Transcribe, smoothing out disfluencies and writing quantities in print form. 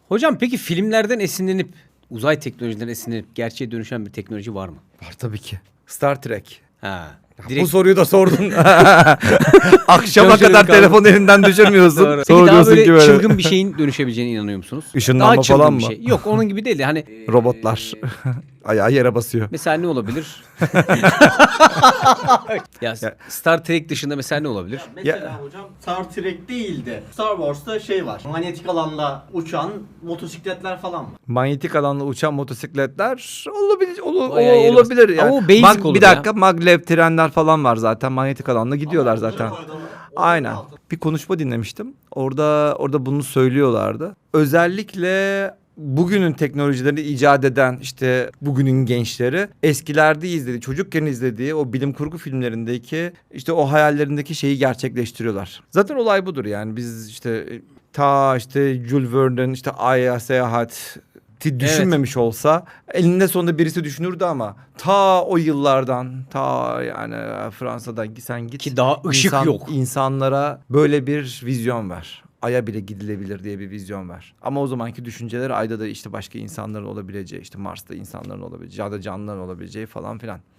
Hocam peki filmlerden esinlenip, uzay teknolojilerinden esinlenip gerçeğe dönüşen bir teknoloji var mı? Var tabii ki. Star Trek. Ha. Bu soruyu da sordun. Akşama Çalışırım kadar kaldım. telefon elinden düşürmüyorsun. Doğru. Peki Sonra daha diyorsun böyle ki böyle. çılgın bir şeyin dönüşebileceğine inanıyor musunuz? Işınlanma Daha çılgın falan bir mı? şey. Yok onun gibi değil de hani. Robotlar. Ayağı yere basıyor. Mesela ne olabilir? Ya Star Trek dışında mesela ne olabilir? Mesela hocam Star Trek değil de Star Wars'ta şey var. Manyetik alanda uçan motosikletler falan var. Manyetik alanla uçan motosikletler olabilir. Bayağı yeri Olabilir bas- yani. Ama o basic olur bir ya. dakika, maglev trenler falan var zaten. Manyetik alanla gidiyorlar zaten. Aynen. Bir konuşma dinlemiştim. Orada bunu söylüyorlardı. Özellikle bugünün teknolojilerini icat eden işte bugünün gençleri eskilerde izlediği, çocukken izlediği o bilim kurgu filmlerindeki işte o hayallerindeki şeyi gerçekleştiriyorlar. Zaten olay budur yani. Biz işte Jules Verne'in işte Ay'a seyahat düşünmemiş olsa elinde sonunda birisi düşünürdü ama o yıllardan yani Fransa'dan sen git Ki daha ışık yok. insanlara böyle bir vizyon ver. Ay'a bile gidilebilir diye bir vizyon ver. Ama o zamanki düşünceler Ay'da da işte başka insanların olabileceği, işte Mars'ta insanların olabileceği ya da canlıların olabileceği falan filan.